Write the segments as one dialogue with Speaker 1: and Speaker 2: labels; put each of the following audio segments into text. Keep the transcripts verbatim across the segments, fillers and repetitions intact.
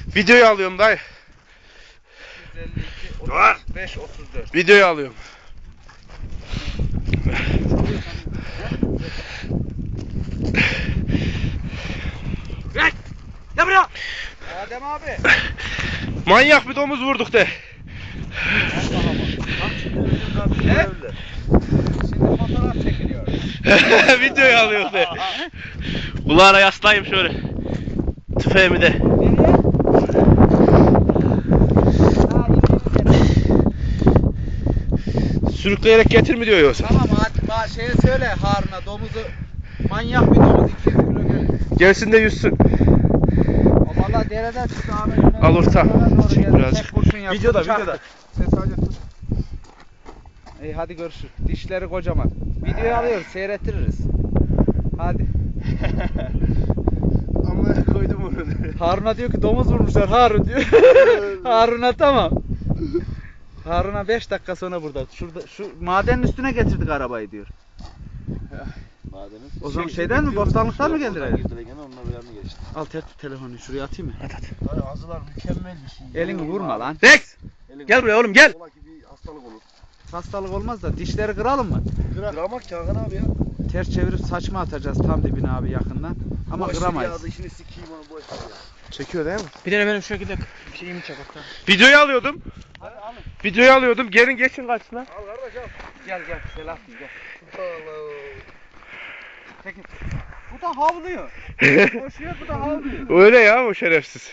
Speaker 1: Videoyu alıyorum dayı.
Speaker 2: yüz elli iki, otuz beş, otuz dört.
Speaker 1: Videoyu alıyorum.
Speaker 2: Gel! Gel buraya! Adem abi.
Speaker 1: Manyak bir domuz vurduk de.
Speaker 2: Ne? Şimdi fotoğraf çekiliyor.
Speaker 1: Videoyu alıyorum de. Kulağına yaslayayım şöyle. Tüfeğimi de.
Speaker 2: Nereye? Ha,
Speaker 1: Sürükleyerek getir mi diyor yoksa?
Speaker 2: tamam hadi şeye söyle Harun'a domuzu manyak bir domuz iki yüz kilo gelir.
Speaker 1: Gelsin de yüzsün.
Speaker 2: O valla dereden çıktı Ahmet.
Speaker 1: Al orta.
Speaker 2: Doğru
Speaker 1: Çek
Speaker 2: geldi.
Speaker 1: birazcık.
Speaker 2: Tek kurşun yaptı,
Speaker 3: Videoda,
Speaker 2: çaktı.
Speaker 3: videoda.
Speaker 2: Sen sadece tut. İyi hadi görüşürüz. Dişleri kocaman. Videoyu alıyoruz seyrettiririz. Hadi.
Speaker 1: Ama koydum onu.
Speaker 2: Harun'a diyor ki domuz vurmuşlar Harun diyor. Harun'a tamam. Harun'a beş dakika sonra burada. Şurada şu madenin üstüne getirdik arabayı diyor.
Speaker 3: Madeniz.
Speaker 2: O zaman şeyden mi, bostanlıktan mı geldiler?
Speaker 3: Girdiler gene onlar bir yanına geçti.
Speaker 2: Al tut telefonu şuraya atayım mı?
Speaker 1: At at.
Speaker 3: Dayı azılar mükemmel bir şey.
Speaker 2: Elini vurma lan.
Speaker 1: Rex!
Speaker 3: Elin
Speaker 1: Gel buraya oğlum gel.
Speaker 3: Ola ki bir hastalık olur.
Speaker 2: Hastalık olmaz da dişleri kıralım mı?
Speaker 3: Kıramak ya Hakan abi ya.
Speaker 2: Ters çevirip saçma atacağız tam dibine abi yakından. Ama
Speaker 3: Boş ver
Speaker 2: kıramayız.
Speaker 3: Ya, işini sikeyim onu boş ver ya.
Speaker 1: Çekiyor değil mi?
Speaker 4: Bir tane benim şu şekilde şeyimi çek hatta.
Speaker 1: Videoyu alıyordum.
Speaker 2: Hadi alın.
Speaker 1: Videoyu alıyordum. Gelin geçin karşısına.
Speaker 3: Al kardeş al.
Speaker 2: Gel gel Selahattin gel.
Speaker 3: Allah.
Speaker 2: Peki. Bu da havlıyor. Koşuyor bu da havlıyor.
Speaker 1: Öyle ya o şerefsiz.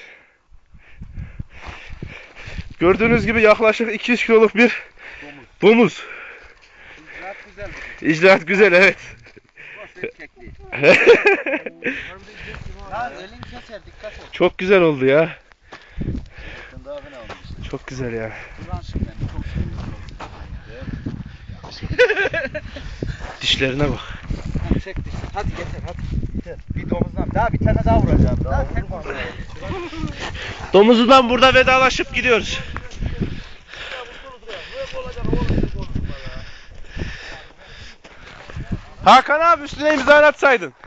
Speaker 1: Gördüğünüz gibi yaklaşık iki yüz kiloluk bir domuz.
Speaker 2: İcraat güzel.
Speaker 1: İcraat güzel evet.
Speaker 2: Boş ver kekliği. Lan elin keser dikkat et.
Speaker 1: Çok güzel oldu ya.
Speaker 3: Sen daha fena olmuşsun.
Speaker 1: Çok güzel ya.
Speaker 2: Ulan şimdi ben çok seviyorum.
Speaker 1: Dişlerine bak.
Speaker 2: Hadi çek dişini. Hadi getir hadi. Bir domuzdan daha bir tane daha vuracağım. Daha tek vuracağım.
Speaker 1: Domuzundan burada vedalaşıp gidiyoruz. Hakan abi üstüne imza atsaydın.